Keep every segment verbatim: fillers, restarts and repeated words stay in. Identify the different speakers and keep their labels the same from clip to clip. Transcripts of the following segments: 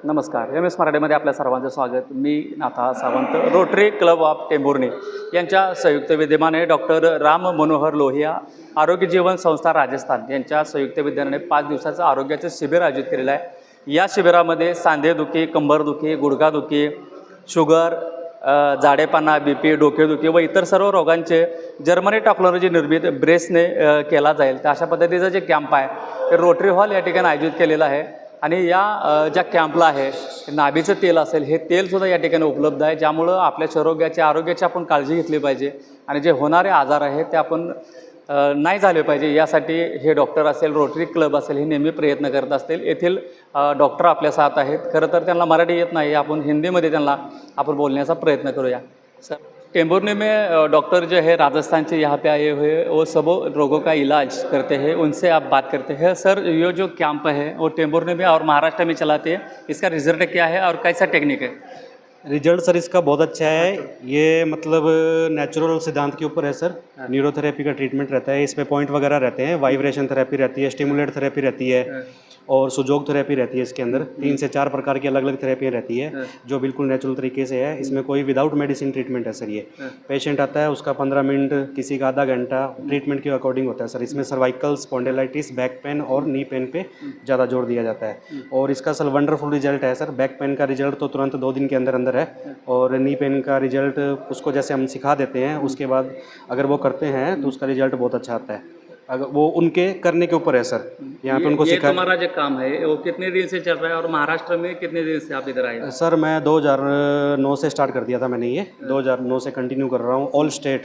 Speaker 1: नमस्कार. M S मराठीमध्ये आपल्या सर्वांचं स्वागत. मी Natha Sawant. Rotary club of Tembhurni यांच्या संयुक्त विद्यमाने डॉक्टर राम मनोहर लोहिया आरोग्य जीवन संस्था राजस्थान यांच्या संयुक्त विद्यमाने पाच दिवसाचं आरोग्याचं शिबिर आयोजित केलेलं आहे. या शिबिरामध्ये सांधेदुखी, कंबरदुखी, गुडघादुखी, शुगर, जाडेपणा, बी पी, डोकेदुखी व इतर सर्व रोगांचे जर्मनी टेक्नॉलॉजी निर्मित ब्रेसने केला जाईल. तर अशा पद्धतीचं जे कॅम्प आहे ते रोटरी हॉल या ठिकाणी आयोजित केलेलं आहे. आणि या ज्या कॅम्पला आहे नाभीचं तेल असेल, हे तेलसुद्धा या ठिकाणी उपलब्ध आहे, ज्यामुळं आपल्या आरोग्याची आरोग्याची आपण काळजी घेतली पाहिजे आणि जे होणारे आजार आहेत ते आपण नाही झाले पाहिजे यासाठी हे डॉक्टर असेल, रोटरी क्लब असेल, हे नेहमी प्रयत्न करत असतील. येथील डॉक्टर आपल्या साथ आहेत. खरं तर त्यांना मराठी येत नाही, आपण हिंदीमध्ये त्यांना आपण बोलण्याचा प्रयत्न करूया. सर, टेंभुर्णी में डॉक्टर जो है राजस्थान से यहाँ पे आए हुए, वो सब रोगों का इलाज करते हैं, उनसे आप बात करते हैं. सर, ये जो कैंप है वो टेंभुर्णी में और महाराष्ट्र में चलाते हैं, इसका रिजल्ट क्या है और कैसा टेक्निक है?
Speaker 2: रिजल्ट सर इसका बहुत अच्छा है. ये मतलब नेचुरल सिद्धांत के ऊपर है सर. न्यूरोथेरेपी का ट्रीटमेंट रहता है, इसमें पॉइंट वगैरह रहते हैं, वाइब्रेशन थेरेपी रहती है, स्टिमुलेट थेरेपी रहती है और सुजोग थेरेपी रहती है. इसके अंदर तीन से चार प्रकार की अलग अलग थेरेपियाँ रहती है जो बिल्कुल नेचुरल तरीके से है. इसमें कोई विदाउट मेडिसिन ट्रीटमेंट है सर. ये पेशेंट आता है, उसका पंद्रह मिनट, किसी का आधा घंटा ट्रीटमेंट के अकॉर्डिंग होता है सर. इसमें सर्वाइकल स्पॉन्डिलाइटिस, बैक पेन और नी पेन पे ज़्यादा जोर दिया जाता है. और इसका सर वंडरफुल रिजल्ट है सर. बैक पेन का रिजल्ट तो तुरंत दो दिन के अंदर अंदर है और नी पेन का रिजल्ट उसको जैसे हम सिखा देते हैं उसके बाद अगर वो करते हैं तो उसका रिजल्ट बहुत अच्छा आता है. अगर वो उनके करने के ऊपर है सर. यहाँ पे उनको
Speaker 1: ये
Speaker 2: सिखा.
Speaker 1: तुम्हारा जो काम है वो कितने दिन से चल रहा है और महाराष्ट्र में कितने दिन से आप इधर आए?
Speaker 2: सर मैं दो हज़ार नौ से स्टार्ट कर दिया था मैंने. ये दो हज़ार नौ से कंटिन्यू कर रहा हूँ. ऑल स्टेट,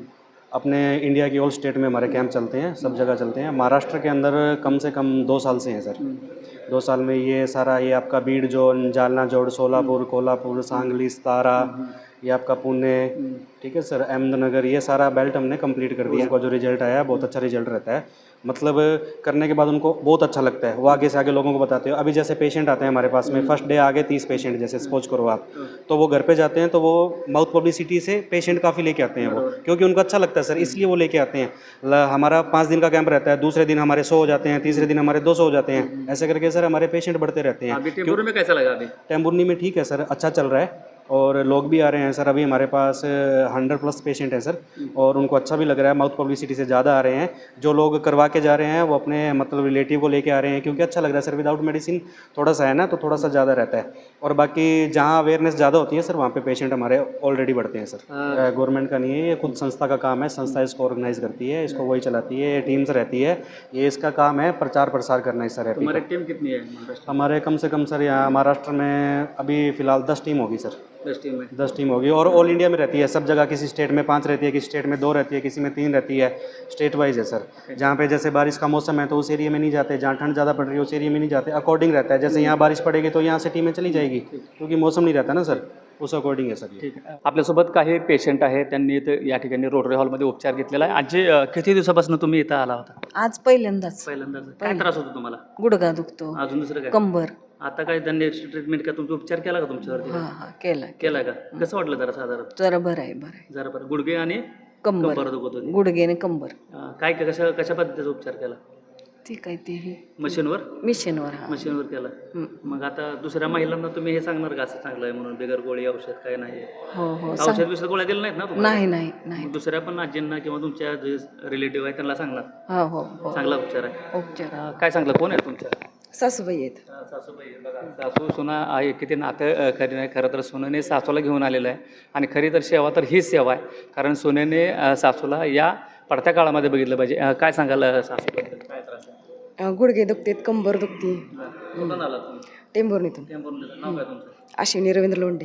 Speaker 2: अपने इंडिया की ऑल स्टेट में हमारे कैंप चलते हैं, सब जगह चलते हैं. महाराष्ट्र के अंदर कम से कम दो साल से हैं सर. दो साल में ये सारा, ये आपका बीड जोन, जालना जोड़, सोलापुर, कोल्हापुर, सांगली, सतारा, ये आपका पुणे, ठीक है सर, अहमदनगर, ये सारा बेल्ट हमने कंप्लीट कर दिया. इनका जो रिजल्ट आया बहुत अच्छा रिजल्ट रहता है. मतलब करने के बाद उनको बहुत अच्छा लगता है. वो आगे से आगे लोगों को बताते हो. अभी जैसे पेशेंट आते हैं हमारे पास में, फर्स्ट डे आगे तीस पेशेंट जैसे सपोज करो आप, तो वो घर पे जाते हैं तो वो माउथ पब्लिसिटी से पेशेंट काफ़ी लेके आते हैं वो, क्योंकि उनको अच्छा लगता है सर, इसलिए वो लेके आते हैं. हमारा पाँच दिन का कैंप रहता है, दूसरे दिन हमारे सौ हो जाते हैं, तीसरे दिन हमारे दो सौ हो जाते हैं. ऐसे करके सर हमारे पेशेंट बढ़ते रहते हैं.
Speaker 1: अभी टेंभुर्णी में कैसा लगा? अभी
Speaker 2: टेंभुर्णी में ठीक है सर, अच्छा चल रहा है और लोग भी आ रहे हैं सर. अभी हमारे पास हंड्रेड प्लस पेशेंट हैं सर और उनको अच्छा भी लग रहा है. माउथ पब्लिसिटी से ज़्यादा आ रहे हैं. जो लोग करवा के जा रहे हैं वो अपने मतलब रिलेटिव को लेके आ रहे हैं, क्योंकि अच्छा लग रहा है सर. विदाउट मेडिसिन थोड़ा सा है ना, तो थोड़ा सा ज़्यादा रहता है. और बाकी जहाँ अवेयरनेस ज़्यादा होती है सर, वहाँ पे पेशेंट हमारे ऑलरेडी बढ़ते हैं सर. गवर्नमेंट का नहीं है, ये खुद संस्था का काम है. संस्था इसको ऑर्गेनाइज करती है, इसको वही चलाती है, टीम्स रहती है. ये इसका काम है प्रचार प्रसार करना है सर.
Speaker 1: हमारी टीम कितनी है?
Speaker 2: हमारे कम से कम सर यहाँ महाराष्ट्र में अभी फ़िलहाल दस टीम होगी सर.
Speaker 1: दस टीम में
Speaker 2: दस टीम होगी और ऑल इंडिया में रहती है सब जगह. किसी स्टेट में पाँच रहती है, किसी स्टेट में दो रहती है, किसी में तीन रहती है. स्टेट वाइज है सर. जहाँ पे जैसे बारिश का मौसम है तो उस एरिया में नहीं जाते, जहाँ ठंड ज़्यादा पड़ रही है उस एरिया में नहीं जाते. अकॉर्डिंग रहता है. जैसे यहाँ बारिश पड़ेगी तो यहाँ से टीमें चली जाएगी, क्योंकि मौसम नहीं रहता ना सर, उस अकॉर्डिंग आहे सर.
Speaker 1: ठीक आहे. आपल्यासोबत काही पेशंट आहेत, त्यांनी इथं या ठिकाणी रोटरी हॉलमध्ये उपचार घेतलेला आहे. आजी, किती दिवसापासून तुम्ही इथं आला होता?
Speaker 3: आज पहिल्यांदाच.
Speaker 1: पहिल्यांदाच. काय त्रास होतो तुम्हाला?
Speaker 3: गुडघा दुखतो,
Speaker 1: अजून दुसरं काय?
Speaker 3: कंबर.
Speaker 1: आता काय त्यांनी ट्रीटमेंट का तुमचा उपचार केला का तुमच्यावरती?
Speaker 3: हा हा केला
Speaker 1: केला का? कसं वाटलं जरा साधारण?
Speaker 3: जरा बरं आहे, बरं आहे.
Speaker 1: जरा बरं. गुडघे आणि
Speaker 3: कंबर,
Speaker 1: कंबर दुखत होती.
Speaker 3: गुडघेने कंबर.
Speaker 1: अं, काय काय- कशा कशा पद्धतीचा उपचार केला?
Speaker 3: ती काय ते हे
Speaker 1: मशीनवर?
Speaker 3: मिशनवर. हा
Speaker 1: मशीनवर केला.
Speaker 3: हं.
Speaker 1: मग आता दुसऱ्या महिलांना तुम्ही हे सांगणार का असं चांगलं आहे म्हणून, बिगर गोळी औषध काय नाही?
Speaker 3: हो हो
Speaker 1: औषध
Speaker 3: सांग.
Speaker 1: विषय गोळ्या दिल्या नाहीत ना तुम्हाला?
Speaker 3: नाही नाही नाही.
Speaker 1: मग दुसऱ्या पण आजींना किंवा तुमच्या जे रिलेटिव्ह आहे त्यांना सांगणार
Speaker 3: हो हो हो
Speaker 1: चांगला उपचार आहे.
Speaker 3: उपचार.
Speaker 1: अं, काय सांगलं? कोण आहे तुमच्या?
Speaker 3: सासूबाई आहेत.
Speaker 1: सासूबाई आहे बघा. सासू सुना आहे, किती नातं अं, खरी नाही. खरं तर सोन्याने सासूला घेऊन आलेलं आहे आणि खरी तर सेवा तर हीच सेवा आहे, कारण सोन्याने अं, सासूला या पडत्या काळामध्ये बघितलं पाहिजे. अं, काय सांगाल अं, सासूबद्दल? काय त्रास आहे?
Speaker 3: अं, गुडघे दुखतेत, कंबर दुखते.
Speaker 1: कुठून आला तुम्ही?
Speaker 3: टेंभुर्णीतून.
Speaker 1: टेंभुर्णीचं. नाव काय तुमचं?
Speaker 3: अश्विनी रवींद्र लोंढे.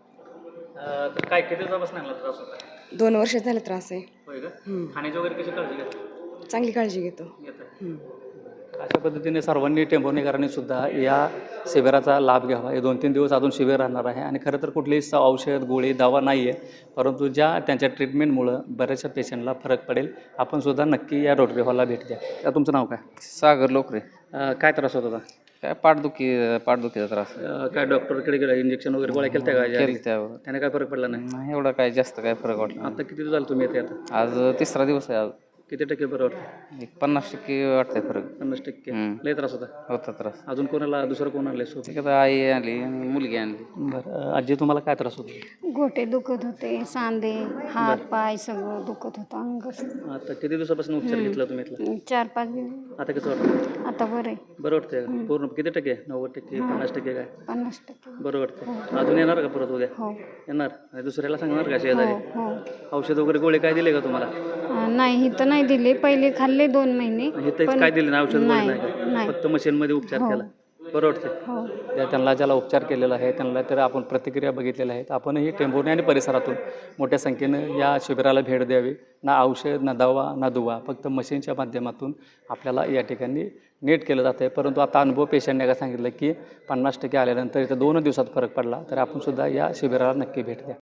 Speaker 1: अं, तर काय किती दिवसापासून लागला त्रास होता?
Speaker 3: दोन वर्ष झाले त्रास आहे.
Speaker 1: होय का?
Speaker 3: हं.
Speaker 1: खाण्याची वगैरे कशी काळजी घेता?
Speaker 3: चांगली काळजी घेतो.
Speaker 1: घेता.
Speaker 3: हं.
Speaker 1: अशा पद्धतीने सर्वांनी टेंभुर्णीकरांनी सुद्धा या शिबिराचा लाभ घ्यावा. हे दोन तीन दिवस अजून शिबिर राहणार आहे आणि खरं तर कुठलीही स- औषध गोळी दवा नाही आहे, परंतु ज्या त्यांच्या ट्रीटमेंटमुळं बऱ्याचशा पेशंटला फरक पडेल. आपण सुद्धा नक्की या रोटरी हॉलला भेट द्या. तर तुमचं नाव काय?
Speaker 4: सागर लोकरे.
Speaker 1: अं, काय त्रास होत होता?
Speaker 4: काय पाठदुखी पाठदुखीचा त्रास
Speaker 1: अं, काय डॉक्टरकडे गेला, इंजेक्शन वगैरे गोळ्या केल्या का?
Speaker 4: केली त्यावर
Speaker 1: त्याने काय फरक पडला नाही?
Speaker 4: नाही एवढा काय जास्त काय फरक वाटला
Speaker 1: आता किती दिवस झाले तुम्ही येते? आता
Speaker 4: आज तिसरा दिवस आहे. आज
Speaker 1: किती टक्के बरं वाटतं?
Speaker 4: एक पन्नास टक्के वाटतंय फरक.
Speaker 1: पन्नास टक्के
Speaker 4: हम्म.
Speaker 1: लय त्रास होता.
Speaker 4: होता त्रास.
Speaker 1: अजून कोणाला दुसरं कोण आणलंय सोबत?
Speaker 4: ठीक आता आई आणली आणि मुलगी आणली.
Speaker 1: बरं आजी तुम्हाला काय त्रास होतो?
Speaker 5: गोटे दुखत होते, सांधे, हात पाय सगळं दुखत होतं अंग सगळं.
Speaker 1: आता किती दिवसापासून उपचार घेतला तुम्ही इथला?
Speaker 5: चार पाच दिवस
Speaker 1: आता कसं वाटतं?
Speaker 5: आता बरं आहे.
Speaker 1: बरं वाटतंय का? पूर्ण किती टक्के? नव्वद टक्के पन्नास टक्के काय?
Speaker 5: पन्नास टक्के.
Speaker 1: बरं वाटतंय. अजून येणार का परत उद्या?
Speaker 5: हो
Speaker 1: येणार आणि दुसऱ्याला सांगणार का
Speaker 5: हो
Speaker 1: शेजारी?
Speaker 5: हो
Speaker 1: औषध वगैरे गोळे काय दिले का तुम्हाला?
Speaker 5: अं, नाही इथं नाही दिले, पहिले खाल्ले दोन महिने.
Speaker 1: हे तर काय दिले ना औषध गोळे
Speaker 5: नाही,
Speaker 1: नाही का?
Speaker 5: नाही.
Speaker 1: फक्त मशीनमध्ये उपचार
Speaker 5: हो.
Speaker 1: केला. बरं वाटतंय.
Speaker 5: हो
Speaker 1: त्या त्यांना ज्याला उपचार केलेला आहे त्यांना तर आपण प्रतिक्रिया बघितलेल्या आहेत. आपणही टेंभुर्णी आणि परिसरातून मोठ्या संख्येनं या शिबिराला भेट द्यावी. ना औषध ना दवा ना दुवा, फक्त मशीनच्या माध्यमातून आपल्याला या ठिकाणी नीट केलं जातं आहे. परंतु आता अनुभव पेशंटने काय सांगितलं की पन्नास टक्के आल्यानंतर इथं दोन दिवसात फरक पडला, तर आपण सुद्धा या शिबिराला नक्की भेट द्या.